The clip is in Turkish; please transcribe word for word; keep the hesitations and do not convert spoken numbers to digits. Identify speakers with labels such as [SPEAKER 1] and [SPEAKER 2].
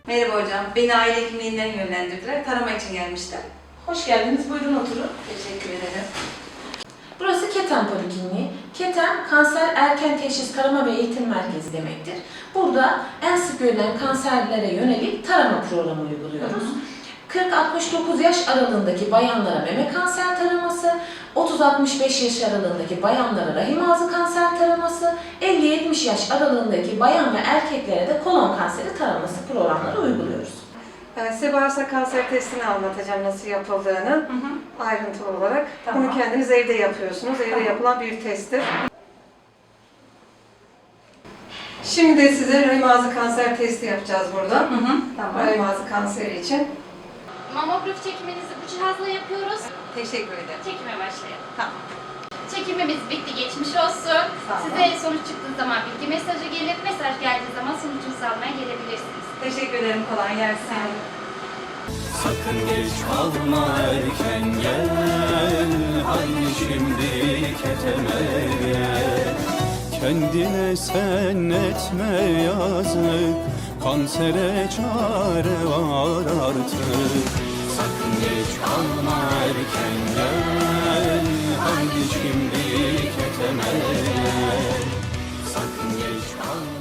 [SPEAKER 1] Merhaba hocam, beni aile hekimliğinden yönlendirdiler. Tarama için gelmiştim.
[SPEAKER 2] Hoş geldiniz, buyurun oturun.
[SPEAKER 1] Teşekkür ederim.
[SPEAKER 2] Burası Keten Polikliniği. Keten, Kanser Erken Teşhis Tarama ve Eğitim Merkezi demektir. Burada en sık görülen kanserlere yönelik tarama programı uyguluyoruz. kırk altmış dokuz yaş aralığındaki bayanlara meme kanser taraması, otuz altmış beş yaş aralığındaki bayanlara rahim ağzı kanser taraması, elli yetmiş yaş aralığındaki bayan ve erkeklere de kolon kanseri taraması programları uyguluyoruz.
[SPEAKER 1] Ben size bağırsak kanser testini anlatacağım nasıl yapıldığını,
[SPEAKER 2] Hı hı.
[SPEAKER 1] ayrıntılı olarak.
[SPEAKER 2] Tamam.
[SPEAKER 1] Bunu kendiniz evde yapıyorsunuz. Evde
[SPEAKER 2] Tamam.
[SPEAKER 1] yapılan bir testtir. Şimdi de size rahim ağzı kanser testi yapacağız burada.
[SPEAKER 2] Hı hı. Tamam.
[SPEAKER 1] Rahim ağzı kanseri için.
[SPEAKER 3] Mamografi çekiminizi bu cihazla yapıyoruz.
[SPEAKER 1] Teşekkür ederim.
[SPEAKER 3] Çekime başlayalım.
[SPEAKER 1] Tamam.
[SPEAKER 3] Çekimimiz bitti, geçmiş olsun.
[SPEAKER 1] Tamam.
[SPEAKER 3] Size sonuç çıktığı zaman bilgi mesajı gelir. Mesaj geldiği zaman sonucunuzu almaya gelebilirsiniz.
[SPEAKER 1] Teşekkür ederim. Kolay gelsin.
[SPEAKER 4] Sakın geç kalma, erken gel. Haydi şimdi keteme gel. Kendine sen etme yazık, kansere çare var artık. Sakın geç kalma, erken gel. Haydi şimdi keteme gel. Sakın geç kalma.